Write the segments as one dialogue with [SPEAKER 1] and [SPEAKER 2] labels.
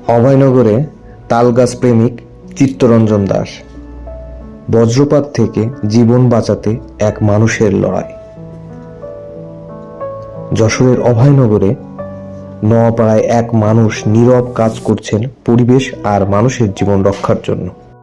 [SPEAKER 1] অভয়নগরে তালগাছ প্রেমিক চিত্তরঞ্জন দাস। বজ্রপাত থেকে জীবন বাঁচাতে এক মানুষের লড়াই। যশোরের অভয়নগরে নোয়াপাড়ায় এক মানুষ নীরব কাজ করছেন পরিবেশ আর মানুষের জীবন রক্ষার জন্য।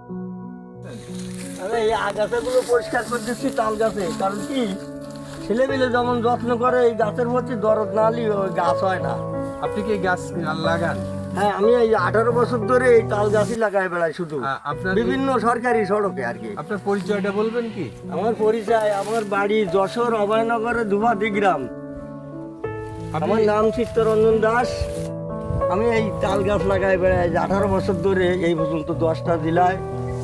[SPEAKER 2] এই আগাছাগুলো পরিষ্কার করে দিচ্ছি তাল গাছে, কারণ কি ছেলেমেলে যেমন যত্ন করে এই গাছের প্রতি দরদ না হলে ওই গাছ হয় না।
[SPEAKER 3] আপনি কি গাছ লাগান?
[SPEAKER 2] হ্যাঁ, আমি এই 18 বছর ধরে এই তাল গাছই লাগাই বেড়াই, শুধু
[SPEAKER 3] আপনার
[SPEAKER 2] বিভিন্ন সরকারি সড়কে আর কি।
[SPEAKER 3] আপনার পরিচয়টা বলবেন কি?
[SPEAKER 2] আমার পরিচয়, আমার বাড়ি যশোর অভয়নগরে দুভাদি গ্রাম। আমার নাম চিত্তরঞ্জন দাস। আমি এই তাল গাছ লাগাই বেড়াই 18 বছর ধরে, এই পর্যন্ত 10টা জেলায়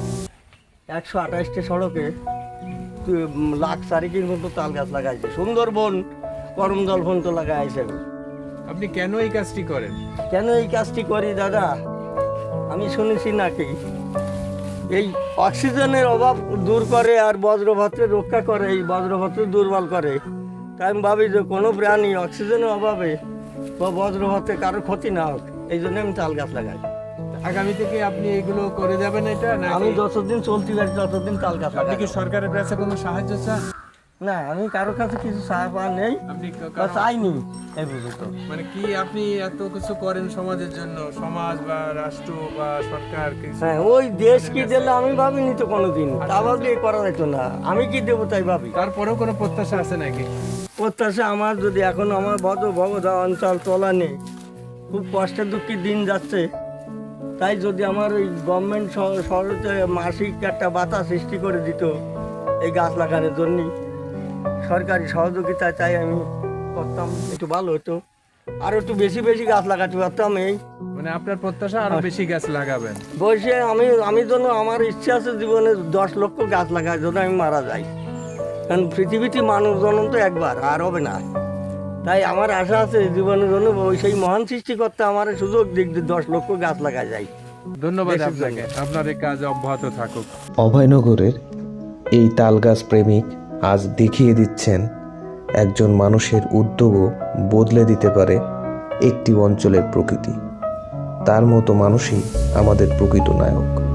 [SPEAKER 2] 128টা সড়কে লাখ চারিকের মতো তাল গাছ লাগাইছে। সুন্দরবন করমজল পর্যন্ত লাগাইছে।
[SPEAKER 3] আপনি কেন এই কাজটি করেন?
[SPEAKER 2] কেন এই কাজটি করি দাদা, আমি শুনেছি নাকি এই অক্সিজেনের অভাব দূর করে আর বজ্রপাতের রক্ষা করে, এই বজ্রপাতের দুর্বল করে। তাই আমি ভাবি যে কোনো প্রাণী অক্সিজেনের অভাবে বা বজ্রপাতে কারোর ক্ষতি না হোক, এই জন্য আমি তাল গাছ লাগাই।
[SPEAKER 3] আগামী থেকে আপনি এগুলো করে যাবেন এটা? না
[SPEAKER 2] আমি যতদিন চলতে পারি ততদিন তাল গাছ
[SPEAKER 3] আপনি
[SPEAKER 2] লাগাই।
[SPEAKER 3] কি সরকারের কাছে কোনো সাহায্য চান?
[SPEAKER 2] না, আমি কারোর কাছে কিছু সাহায্য নেই
[SPEAKER 3] আপনি
[SPEAKER 2] বা চাইনি এই পর্যন্ত।
[SPEAKER 3] মানে কি আপনি এত কিছু করেন সমাজের জন্য, সমাজ বা রাষ্ট্র বা সরকার কিছু?
[SPEAKER 2] হ্যাঁ, ওই দেশ কি দিলে আমি ভাবিনি তো কোনোদিন, তা ভাবলে করা যেত না। আমি কি দেবো তাই ভাবি।
[SPEAKER 3] তারপরেও কোনো প্রত্যাশা আছে নাকি?
[SPEAKER 2] প্রত্যাশা আমার, যদি এখন আমার ভগদা অঞ্চল তোলা নেই, খুব কষ্টের দুঃখী দিন যাচ্ছে, তাই যদি আমার ওই গভর্নমেন্ট শহরে মাসিক একটা বাতা সৃষ্টি করে দিত এই গাছ লাগানোর জন্য, সরকারি সহযোগিতা চাই আমি করতাম, একটু ভালো হতো। আর একটু বেশি বেশি গাছ লাগাতে পারতাম। এই
[SPEAKER 3] মানে আপনার প্রত্যাশা আরো বেশি গাছ লাগাবেন?
[SPEAKER 2] বসে আমি জন্য আমার ইচ্ছা আছে জীবনে 10 লক্ষ গাছ লাগার জন্য আমি মারা যাই, কারণ পৃথিবীতে মানব জন্ম তো একবার, আর হবে না। তাই আমার আশা আছে জীবনের জন্য ওই সেই মহান সৃষ্টিকর্তা আমার সুযোগ দিক দিয়ে 10 লক্ষ গাছ লাগা যায়।
[SPEAKER 3] ধন্যবাদ
[SPEAKER 2] দেশের
[SPEAKER 3] আপনাকে, আপনার এই কাজ অব্যাহত থাকুক।
[SPEAKER 1] অভয়নগরের এই তালগাছ প্রেমিক আজ দেখিয়ে দিচ্ছেন একজন মানুষের উদ্যোগও বদলে দিতে পারে একটি অঞ্চলের প্রকৃতি। তার মতো মানুষই আমাদের প্রকৃত নায়ক।